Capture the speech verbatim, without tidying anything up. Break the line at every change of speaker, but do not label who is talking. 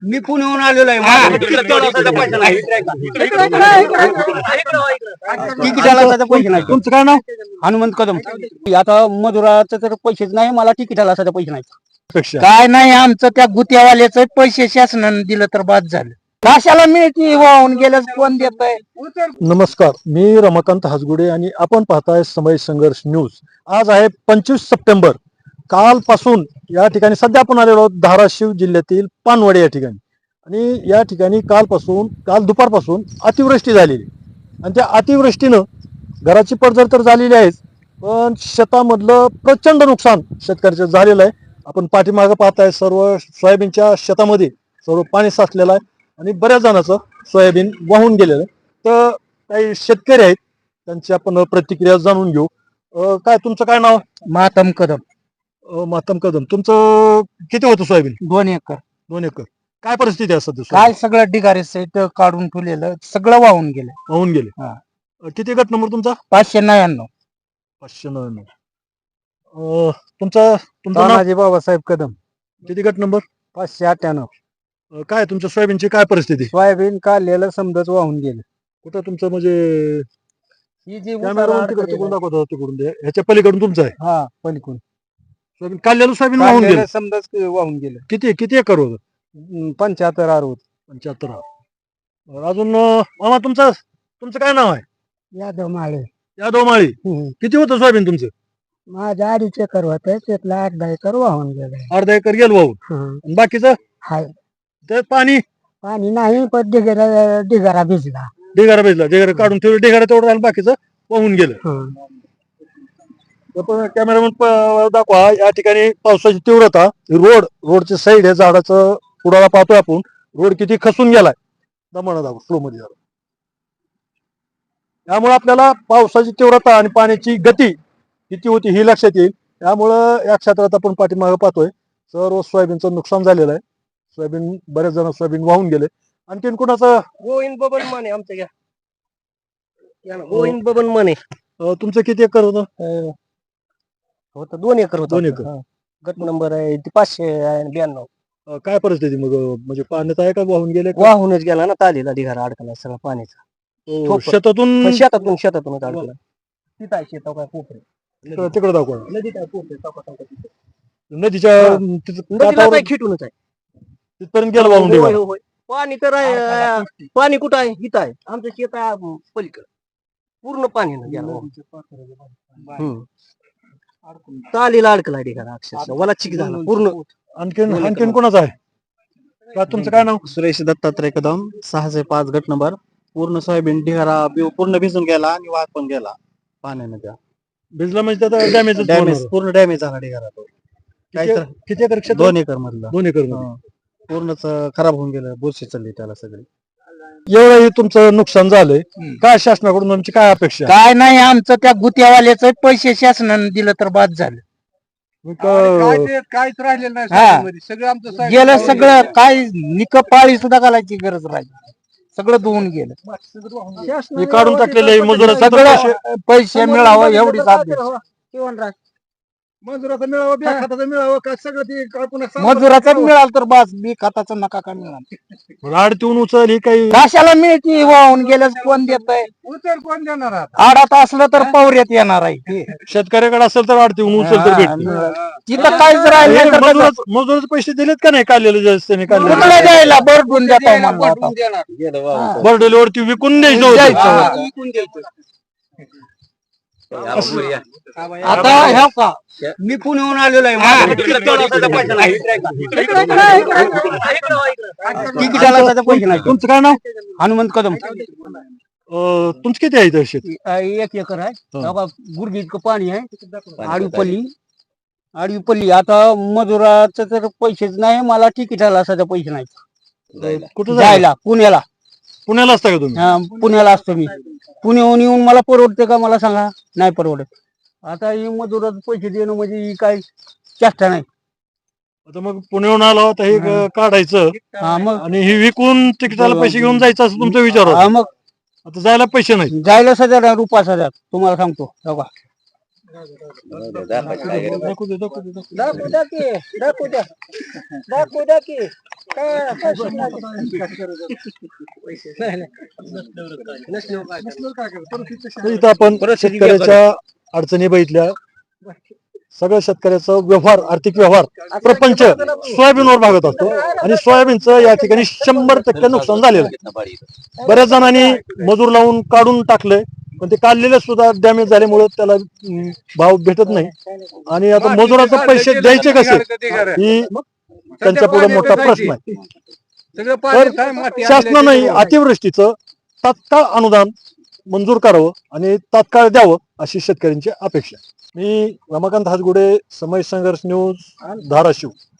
मी पुण्याहून आलेलो आहे माझ्या तिकिटाला सुद्धा पैसे नाही. तिकिटाला सुद्धा पैसे नाही.
तुमचं काय नाव?
हनुमंत कदम. आता मजुराचं तर पैसेच नाही, मला तिकिटाला सुद्धा पैसे नाही.
पेक्षा
काय नाही, आमचं त्या गुत्यावाल्याच पैसे शासनाने दिलं तर बाद झालं. कशाला मिळते वाहून गेल्यास कोण देत आहे?
नमस्कार, मी रमाकांत हासगुडे आणि आपण पाहताय समय संघर्ष न्यूज. आज आहे पंचवीस सप्टेंबर. कालपासून या ठिकाणी सध्या आपण आलेलो आहोत धाराशिव जिल्ह्यातील पानवडे या ठिकाणी. आणि या ठिकाणी कालपासून काल दुपारपासून अतिवृष्टी झालेली आणि त्या अतिवृष्टीनं घराची पडझड तर झालेली आहेच, पण शेतामधलं प्रचंड नुकसान शेतकऱ्याचं झालेलं आहे. आपण पाठीमागं पाहताय सर्व सोयाबीनच्या शेतामध्ये सर्व पाणी साचलेलं आहे आणि बऱ्याच जणांचं सोयाबीन वाहून गेलेलं आहे. तर काही शेतकरी आहेत, त्यांची आपण प्रतिक्रिया जाणून घेऊ. अं, काय तुमचं काय नाव?
मातम कदम.
अं, मातम कदम. तुमचं किती होतं सोयाबीन?
दोन एकर.
दोन एकर. काय परिस्थिती आहे सध्या?
काय सगळं डिगारे सहित काढून ठेवलेलं सगळं वाहून गेलं.
वाहून गेले.
हा.
अं, किती गट नंबर तुमचा?
पाचशे नव्याण्णव.
पाचशे नव्याण्णव. अं, तुमचा तुमचं नाव?
तानाजी बाबासाहेब कदम.
किती गट नंबर?
पाचशे अठ्ठ्याण्णव.
अं, काय तुमच्या सोयाबीनची काय परिस्थिती?
सोयाबीन काढलेलं समजाच वाहून गेलं.
कुठं तुमचं म्हणजे
ही जी
कॅमेरावरून तिकडे तिकडून दाखवत होता तिकडून ते ह्याच्या पलीकडून तुमचं आहे
हा पलीकडून
सोयाबीन? काढलेलं सोयाबीन वाहून गेलं.
समजाच वाहून गेलं.
किती किती एकर होतं?
हम्म, पंच्याहत्तर अरवत.
पंच्याहत्तर. बरं, अजून अं, मामा तुमचं तुमचं काय नाव आहे?
यादव माळे.
यादव माळी. किती होतं सोयाबीन तुमचं?
माझ्या अडीच एकर होत त्यातला अर्धा एकर वाहून गेलं.
अर्धा एकर गेलं वाहून. आणि बाकीचं
हाय
ते पाणी
पाणी नाही, पण ढिगारा ढिगारा भिजला.
ढिगारा भेजला. ढिगारा काढून ठेवलं, ढिगारा तेवढं राहिलं, बाकीचं वाहून गेलं. कॅमेरामन दाखवा. या ठिकाणी पावसाची तीव्रता, रोड रोडच्या साईड आहे, झाडाचं पुढाला पाहतोय आपण. रोड किती खसून गेलाय. दमणा दाखव फ्लो मध्ये जरा. त्यामुळे आपल्याला पावसाची तीव्रता आणि पाण्याची गती किती होती ही लक्षात येईल. त्यामुळं या क्षेत्रात आपण पाठीमागं पाहतोय सर्व सोयाबीनचं नुकसान झालेलं आहे. सोयाबीन बरेच जण सोयाबीन वाहून गेले. आणखीन कुणाचं?
गोविंद बबन माने आमच्या घ्या. या ना, गोविंद बबन माने.
अं, तुमचं किती एकर होतं?
होतं दोन एकर होतं.
दोन एकर.
हा. गट नंबर आहे ते पाचशे आहे ब्याण्णव.
अं, काय परिस्थिती मग? म्हणजे पाण्यात आहे का वाहून गेले का?
वाहूनच गेला ना, तालीला ढिगारा अडकला सगळा पाण्याचा.
तो
ठोक.
शेतातून
शेतातून शेतातूनच अडकला. तिथं आहे शेताव काय कोपरे.
तिकडे दाखवा.
नदीत आहे कोपरे. चौका चौका तिथं.
नदीच्या
हा.
तिथं
नदीला
काठावर
काय खिटूनच आहे.
तिथपर्यंत गेलं वाहून
होय,
गेला.
होय, होय. पाणी तर आहे. अं, पाणी कुठं आहे? इथं आहे. आमचं शेत आहे अं, पलीकडे. पूर्ण पाणी ना गेला. हम्म. तालीला अडकला ढिगारा अक्षरशः. मला चिक झाला पूर्ण.
आणखीन आणखीन कोणाचं आहे? का तुमचं काय नाव?
सुरेश दत्तात्रय कदम. सहाशे पाच गट नंबर. पूर्ण सोयाबीन ढिगारा बी- पूर्ण भिजून गेला आणि वाहत पण गेला पाण्याने. त्या
भिजला म्हणजे त्याचा डॅमेज
डॅमेज पूर्ण डॅमेज झाला ढिगारा तो. काय तर
किती एकर क्षेत्र?
दोन एकर मधला
दोन एकर मध्ये.
हं. पूर्णच खराब होऊन गेलं. बुरशी चालली त्याला सगळी.
एवढं तुमचं नुकसान झालंय, काय शासनाकडून तुमची काय अपेक्षा आहे?
काय नाही, आमचं त्या गुत्यावाल्याच पैसे शासनाने दिलं तर बाद झालं.
मग, अं,
काहीच राहिलेलं नाही.
हा.
सोयाबीनमध्ये. सगळं आमचं सोयाबीन
गेलं
वाहून
सगळं. काय निक पाळी सुद्धा घालायची गरज राहिली. सगळं धुवून गेलं.
हे काढून टाकलेलं आहे मजुराचं
सगळं
पैसे.
पैसे मिळावं एवढीच अपेक्षा.
मजुराचं मिळावं, बी खाताचं मिळावं, काय सगळं ते काय पुन्हा सांभाळून
मजुराचा मिळाल तर बस, बी खताचा नका का मिळाल.
आडतीहून उचल ही काही
कशाला मिळते वाहून गेल्यास कोण देत आहे?
उचल कोण देणार आता?
आडात असलं तर पवऱ्यात येणार आहे ते.
शेतकऱ्याकडे असेल तर आडतीहून उचल तर भेटते.
तिथं काहीच राहिलं नाही तर कसं?
मजुराचं मजुराचे पैसे दिलेत का नाही काढलेले जे त्याने काढलेले?
कुठलं द्यायला बरडून देतो म्हणलं आता.
पटवून देणार.
बर्डोलीवरती विकून द्यायचं होतं.
द्यायचं.
हा, विकून द्यायचं.
आता ह्या का
मी पुण्याहून आलेलो आहे. माझ्या तिकिटाला सुद्धा पैसे नाही. तिकिटाला सुद्धा पैसे नाही.
तुमचं काय नाव?
हनुमंत कदम.
अं, तुमचं किती आहे इथं शेत?
एक एकर आहे. तेव्हा गुडघे इतकं पाणी आहे. आडीपल्ली आडीपल्ली. आता मजुराचं तर पैसेच नाही, मला तिकिटाला सुद्धा पैसे नाही.
कुठं जायला?
जायला पुण्याला.
पुण्याला असता का तुम्ही?
हा, पुण्याला असतो मी. पुण्याहून येऊन मला परवडते का मला सांगा? नाही परवडत. आता ही मजुरात पैसे देणं म्हणजे ही काय चेष्टा नाही.
आता मग पुण्याहून आला होता हे
हा.
काढायचं
हा मग
आणि हे विकून तिकिटाला पैसे घेऊन जायचं असं तुमचा विचार होता.
हा मग
आता जायला पैसे नाही.
जायला सध्या रुपा सध्या तुम्हाला सांगतो बघा.
दाखवू दे, दाखवू दे, दाखवू दे.
दाखवू द्या की दाखवू द्या दाखवू द्या की काय पैसे नाही.
तर इथं आपण शेतकऱ्याच्या अडचणी बघितल्या. सगळं शेतकऱ्याचा व्यवहार, आर्थिक व्यवहार, प्रपंच सोयाबीनवर भागत असतो आणि सोयाबीनचं या ठिकाणी शंभर टक्के नुकसान झालेलं आहे. बऱ्याच जणांनी मजूर लावून काढून टाकलंय, पण ते काढलेले सुद्धा डॅमेज झाल्यामुळे त्याला अं, भाव भेटत नाही. आणि आता मजुराचे पैसे द्यायचे कसे ही त्यांच्या पुढे मोठा प्रश्न आहे. तर शासनाने अतिवृष्टीचं तात्काळ अनुदान मंजूर करावं आणि तात्काळ द्यावं अशी शेतकऱ्यांची अपेक्षा आहे. मी रमाकांत हाजगुडे, समय संघर्ष न्यूज, धाराशिव.